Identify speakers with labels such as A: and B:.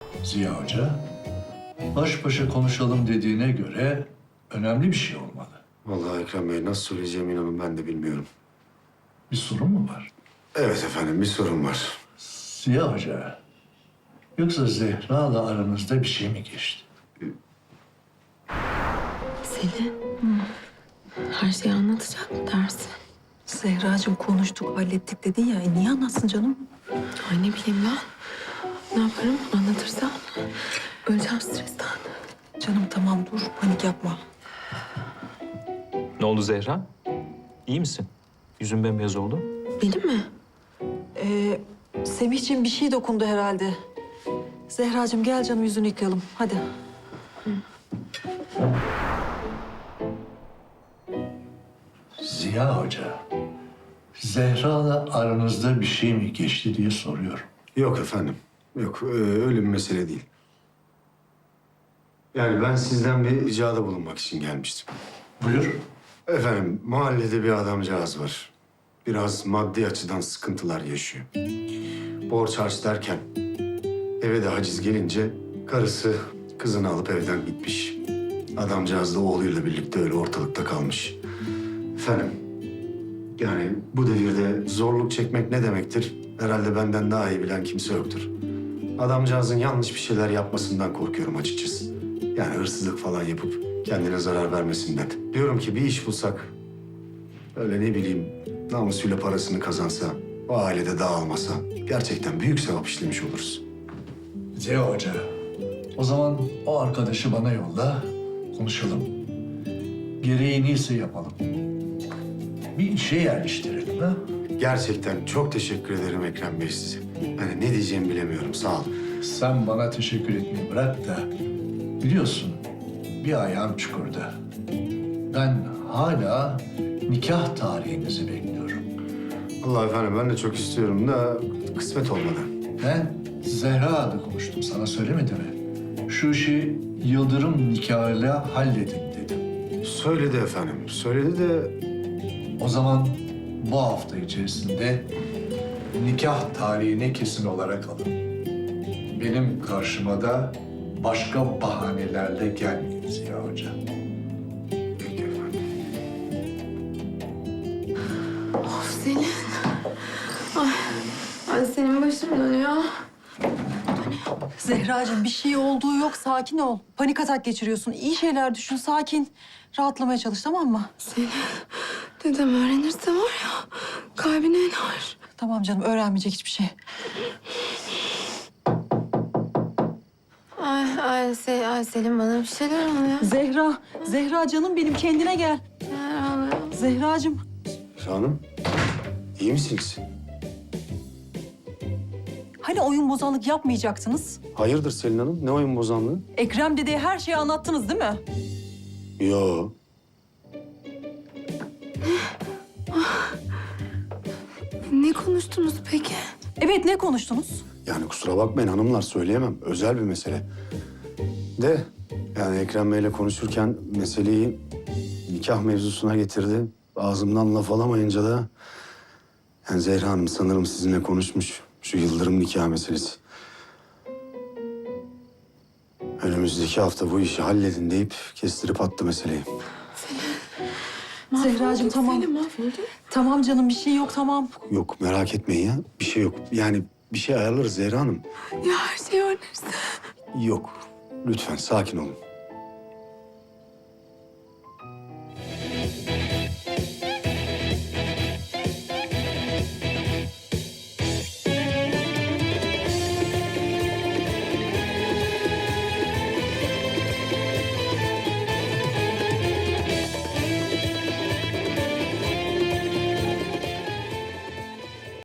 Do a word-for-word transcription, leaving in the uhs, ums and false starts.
A: Ziya Hoca, baş başa konuşalım dediğine göre önemli bir şey olmalı.
B: Vallahi Ekrem Bey nasıl söyleyeceğimi inanın ben de bilmiyorum.
A: Bir sorun mu var?
B: Evet efendim bir sorun var.
A: Ziya Hoca, yoksa Zehra'la aranızda bir şey mi geçti?
C: Selin, her şeyi anlatacak mı dersin?
D: Zehracığım konuştuk, hallettik dedin ya. E niye anlatsın canım?
C: Ay ne bileyim ben. Ne yaparım anlatırsam? Öleceğim stresten.
D: Canım tamam dur, panik yapma.
E: Ne oldu Zehra? İyi misin? Yüzün bembeyaz oldu.
C: Benim mi?
D: Ee, Semihciğim bir şey dokundu herhalde. Zehracığım gel canım yüzünü yıkayalım. Hadi.
A: Ziya Hoca, Zehra'la aranızda bir şey mi geçti diye soruyorum.
B: Yok efendim. Yok ee, öyle bir mesele değil. Yani ben sizden bir ricada bulunmak için gelmiştim.
A: Buyur.
B: Efendim mahallede bir adamcağız var. Biraz maddi açıdan sıkıntılar yaşıyor. Borç harç derken eve de haciz gelince karısı kızını alıp evden gitmiş. Adamcağız da oğluyla birlikte öyle ortalıkta kalmış. Efendim yani bu devirde zorluk çekmek ne demektir? Herhalde benden daha iyi bilen kimse yoktur. Adamcağızın yanlış bir şeyler yapmasından korkuyorum açıkçası. Yani hırsızlık falan yapıp kendine zarar vermesinden. Diyorum ki bir iş bulsak, öyle ne bileyim namusuyla parasını kazansa, o ailede dağılmasa gerçekten büyük sevap işlemiş oluruz.
A: Ziya Hoca, o zaman o arkadaşı bana yolla, konuşalım. Gereğini ise yapalım. Bir işe yerleştirelim ha?
B: Gerçekten çok teşekkür ederim Ekrem Bey size. Yani ne diyeceğimi bilemiyorum, sağ olun.
A: Sen bana teşekkür etmeyi bırak da biliyorsun bir ayağım çukurda. Ben hala nikah tarihinizi bekliyorum.
B: Allah efendim ben de çok istiyorum da kısmet olmadı.
A: Ben Zehra'la konuştum, sana söylemedi mi? Şu işi Yıldırım nikahıyla halledin dedim.
B: Söyledi efendim, söyledi de
A: O zaman bu hafta içerisinde nikah tarihini kesin olarak alın. Benim karşıma da başka bahanelerle gelmeyin Ziya Hoca.
B: peki efendim.
C: Of Selin. Ay, ay senin başım dönüyor.
D: Zehracığım bir şey olduğu yok, sakin ol. Panik atak geçiriyorsun. İyi şeyler düşün, sakin. Rahatlamaya çalış, tamam mı?
C: Selin, dedem öğrenirse var ya kalbine iner.
D: Tamam canım, öğrenmeyecek hiçbir şey.
C: Ay, ay, Se ay Selin bana bir şeyler oluyor.
D: Zehra, Zehra canım benim, kendine gel.
C: Neler oluyor?
D: Zehracığım.
B: Hanım, iyi misiniz?
D: Hani oyun bozanlık yapmayacaktınız?
B: Hayırdır Selin Hanım, ne oyun bozanlığı?
D: Ekrem dedeye her şeyi anlattınız değil mi?
B: Yo.
C: Ne konuştunuz peki?
D: Evet, ne konuştunuz?
B: Yani kusura bakmayın hanımlar söyleyemem. Özel bir mesele. De yani Ekrem Bey'le konuşurken meseleyi nikah mevzusuna getirdi. Ağzımdan laf alamayınca da yani Zehra Hanım sanırım sizinle konuşmuş şu Yıldırım nikah meselesi. Önümüzdeki hafta bu işi halledin deyip kestirip attı meseleyi.
D: Zehracığım tamam.
C: Selin mahvoldu.
D: Tamam canım, bir şey yok, tamam.
B: Yok merak etmeyin ya. Bir şey yok. Yani bir şey ayarlarız Zehra Hanım.
C: Ya her şey öğrenirse?
B: Yok. Lütfen sakin olun.